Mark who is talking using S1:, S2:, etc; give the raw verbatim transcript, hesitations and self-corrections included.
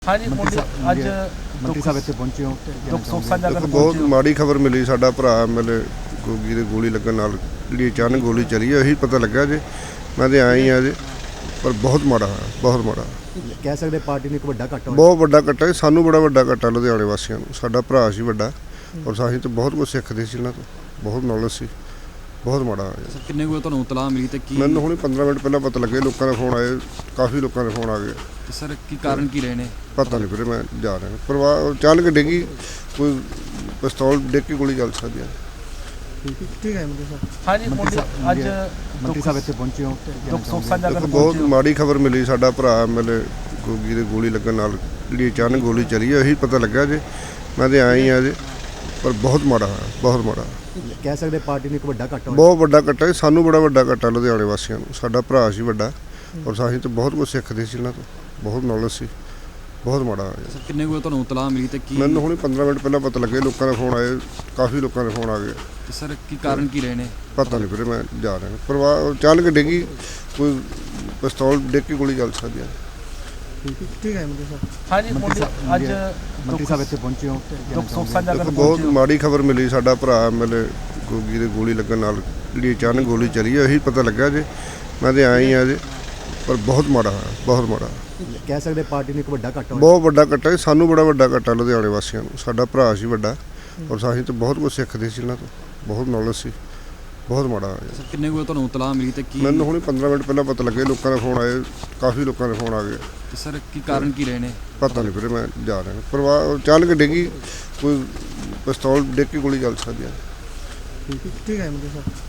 S1: हाँ जी
S2: ਮੰਤਰੀ ਸਾਹਿਬ
S1: ਅੱਜ
S2: ਮੰਤਰੀ ਸਾਹਿਬ ਇੱਥੇ ਪਹੁੰਚੇ ਹੋ
S1: ਦੁੱਖ ਸੁੱਖ ਸਾਂਝਾ
S3: ਦੇਖੋ
S1: ਕਰਨ
S3: ਬਹੁਤ
S1: ਪਹੁੰਚੇ ਹੋ।
S3: ਮਾੜੀ ਖਬਰ ਮਿਲੀ। ਸਾਡਾ ਭਰਾ ਐਮਐਲਏ ਗੋਗੀ ਦੇ ਗੋਲੀ ਲੱਗਣ ਨਾਲ ਜਿਹੜੀ ਅਚਾਨਕ ਗੋਲੀ ਚੱਲੀ ਹੈ ਇਹੀ ਪਤਾ ਲੱਗਾ ਜੇ। ਮੈਂ ਤੇ ਆਇਆ ਹੀ ਆ ਜੇ, ਪਰ ਬਹੁਤ ਮਾੜਾ ਹੋਇਆ, ਬਹੁਤ ਮਾੜਾ।
S2: ਕਹਿ ਸਕਦੇ ਪਾਰਟੀ ਨੂੰ ਇੱਕ ਵੱਡਾ ਘਾਟਾ ਹੋਇਆ।
S3: ਬਹੁਤ ਵੱਡਾ ਘਾਟਾ ਹੈ, ਸਾਨੂੰ ਬੜਾ ਵੱਡਾ ਘਾਟਾ ਲੁਧਿਆਣੇ ਵਾਸੀਆਂ ਨੂੰ। ਸਾਡਾ ਭਰਾ ਸੀ ਵੱਡਾ, ਔਰ ਅਸੀਂ ਤਾਂ ਬਹੁਤ ਕੁਝ ਸਿੱਖਦੇ ਸੀ ਇਹਨਾਂ ਤੋਂ, ਬਹੁਤ ਨੌਲੇਜ ਸੀ। ਬਹੁਤ ਮਾੜਾ ਹੋਇਆ।
S4: ਸਰ ਕਿੰਨੇ ਕੁ ਤੁਹਾਨੂੰ ਇਤਲਾਹ ਮਿਲੀ ਤੇ ਕੀ
S3: ਮੈਨੂੰ ਹੁਣੇ ਪੰਦਰਾਂ ਮਿੰਟ ਪਹਿਲਾਂ ਪਤਾ ਲੱਗੇ, ਲੋਕਾਂ ਦੇ ਫੋਨ ਆਏ, ਕਾਫੀ ਲੋਕਾਂ ਦੇ ਫੋਨ ਆ ਗਏ।
S4: ਤੇ ਸਰ ਕੀ ਕਾਰਨ ਕੀ ਰਹੇ ਨੇ?
S3: ਪਤਾ ਨਹੀਂ ਵੀਰੇ, ਮੈਂ ਜਾ ਰਿਹਾ ਪਰਿਵਾਰ ਅਚਾਨਕ ਡਿੱਗੀ, ਕੋਈ ਪਿਸਤੌਲ ਡਿੱਗ ਕੇ ਗੋਲੀ ਚੱਲ ਸਕਦੀ ਹੈ।
S2: ਠੀਕ ਹੈ ਮੰਤਰੀ ਸਾਹਿਬ।
S1: हाँ जी
S2: ਮੰਤਰੀ ਸਾਹਿਬ
S1: ਅੱਜ
S2: ਮੰਤਰੀ ਸਾਹਿਬ ਇੱਥੇ ਪਹੁੰਚੇ ਹੋ
S1: ਦੁੱਖ ਸੁੱਖ ਸਾਂਝਾ
S3: ਦੇਖੋ
S1: ਕਰਨ
S3: ਬਹੁਤ
S1: ਪਹੁੰਚੇ ਹੋ।
S3: ਮਾੜੀ ਖਬਰ ਮਿਲੀ। ਸਾਡਾ ਭਰਾ ਐਮਐਲਏ ਗੋਗੀ ਦੇ ਗੋਲੀ ਲੱਗਣ ਨਾਲ ਜਿਹੜੀ ਅਚਾਨਕ ਗੋਲੀ ਚੱਲੀ ਹੈ ਇਹੀ ਪਤਾ ਲੱਗਾ ਜੇ। ਮੈਂ ਤੇ ਆਇਆ ਹੀ ਆ ਜੇ, ਪਰ ਬਹੁਤ ਮਾੜਾ ਹੋਇਆ, ਬਹੁਤ ਮਾੜਾ।
S2: ਕਹਿ ਸਕਦੇ ਪਾਰਟੀ ਨੂੰ ਇੱਕ ਵੱਡਾ ਘਾਟਾ ਹੋਇਆ।
S3: ਬਹੁਤ ਵੱਡਾ ਘਾਟਾ ਹੈ, ਸਾਨੂੰ ਬੜਾ ਵੱਡਾ ਘਾਟਾ ਲੁਧਿਆਣੇ ਵਾਸੀਆਂ ਨੂੰ। ਸਾਡਾ ਭਰਾ ਸੀ ਵੱਡਾ, ਔਰ ਅਸੀਂ ਤਾਂ ਬਹੁਤ ਕੁਝ ਸਿੱਖਦੇ ਸੀ ਇਹਨਾਂ ਤੋਂ, ਬਹੁਤ ਨੌਲੇਜ ਸੀ। ਬਹੁਤ ਮਾੜਾ ਹੋਇਆ।
S4: ਸਰ ਕਿੰਨੇ ਕੁ ਤੁਹਾਨੂੰ ਇਤਲਾਹ ਮਿਲੀ ਤੇ ਕੀ
S3: ਮੈਨੂੰ ਹੁਣੇ ਪੰਦਰਾਂ ਮਿੰਟ ਪਹਿਲਾਂ ਪਤਾ ਲੱਗੇ, ਲੋਕਾਂ ਦੇ ਫੋਨ ਆਏ, ਕਾਫੀ ਲੋਕਾਂ ਦੇ ਫੋਨ ਆ ਗਏ।
S4: ਤੇ ਸਰ ਕੀ ਕਾਰਨ ਕੀ ਰਹੇ ਨੇ?
S3: ਪਤਾ ਨਹੀਂ ਵੀਰੇ, ਮੈਂ ਜਾ ਰਿਹਾ ਪਰਿਵਾਰ ਅਚਾਨਕ ਡਿੱਗੀ, ਕੋਈ ਪਿਸਤੌਲ ਡਿੱਗ ਕੇ ਗੋਲੀ ਚੱਲ ਸਕਦੀ ਹੈ।
S2: ਠੀਕ ਹੈ ਮੰਤਰੀ ਸਾਹਿਬ।
S1: हाँ जी
S2: ਮੰਤਰੀ ਸਾਹਿਬ
S1: ਅੱਜ
S2: ਮੰਤਰੀ ਸਾਹਿਬ ਇੱਥੇ ਪਹੁੰਚੇ ਹੋ
S1: ਦੁੱਖ ਸੁੱਖ ਸਾਂਝਾ
S3: ਦੇਖੋ
S1: ਕਰਨ
S3: ਬਹੁਤ
S1: ਪਹੁੰਚੇ ਹੋ।
S3: ਮਾੜੀ ਖਬਰ ਮਿਲੀ। ਸਾਡਾ ਭਰਾ ਐਮਐਲਏ ਗੋਗੀ ਦੇ ਗੋਲੀ ਲੱਗਣ ਨਾਲ ਜਿਹੜੀ ਅਚਾਨਕ ਗੋਲੀ ਚੱਲੀ ਹੈ ਇਹੀ ਪਤਾ ਲੱਗਾ ਜੇ। ਮੈਂ ਤੇ ਆਇਆ ਹੀ ਆ ਜੇ, ਪਰ ਬਹੁਤ ਮਾੜਾ ਹੋਇਆ, ਬਹੁਤ ਮਾੜਾ।
S2: ਕਹਿ ਸਕਦੇ ਪਾਰਟੀ ਨੂੰ ਇੱਕ ਵੱਡਾ ਘਾਟਾ ਹੋਇਆ।
S3: ਬਹੁਤ ਵੱਡਾ ਘਾਟਾ ਹੈ, ਸਾਨੂੰ ਬੜਾ ਵੱਡਾ ਘਾਟਾ ਲੁਧਿਆਣੇ ਵਾਸੀਆਂ ਨੂੰ। ਸਾਡਾ ਭਰਾ ਸੀ ਵੱਡਾ, ਔਰ ਅਸੀਂ ਤਾਂ ਬਹੁਤ ਕੁਝ ਸਿੱਖਦੇ ਸੀ ਇਹਨਾਂ ਤੋਂ, ਬਹੁਤ ਨੌਲੇਜ ਸੀ। ਬਹੁਤ ਮਾੜਾ ਹੋਇਆ।
S4: ਸਰ ਕਿੰਨੇ ਕੁ ਤੁਹਾਨੂੰ ਇਤਲਾਹ ਮਿਲੀ ਤੇ ਕੀ
S3: ਮੈਨੂੰ ਹੁਣੇ ਪੰਦਰਾਂ ਮਿੰਟ ਪਹਿਲਾਂ ਪਤਾ ਲੱਗੇ, ਲੋਕਾਂ ਦੇ ਫੋਨ ਆਏ, ਕਾਫੀ ਲੋਕਾਂ ਦੇ ਫੋਨ ਆ ਗਏ।
S4: ਤੇ ਸਰ ਕੀ ਕਾਰਨ ਕੀ ਰਹੇ ਨੇ?
S3: ਪਤਾ ਨਹੀਂ ਵੀਰੇ, ਮੈਂ ਜਾ ਰਿਹਾ ਪਰਿਵਾਰ ਅਚਾਨਕ ਡਿੱਗੀ, ਕੋਈ ਪਿਸਤੌਲ ਡਿੱਗ ਕੇ ਗੋਲੀ ਚੱਲ ਸਕਦੀ ਹੈ।
S2: ਠੀਕ ਹੈ ਮੰਤਰੀ ਸਾਹਿਬ।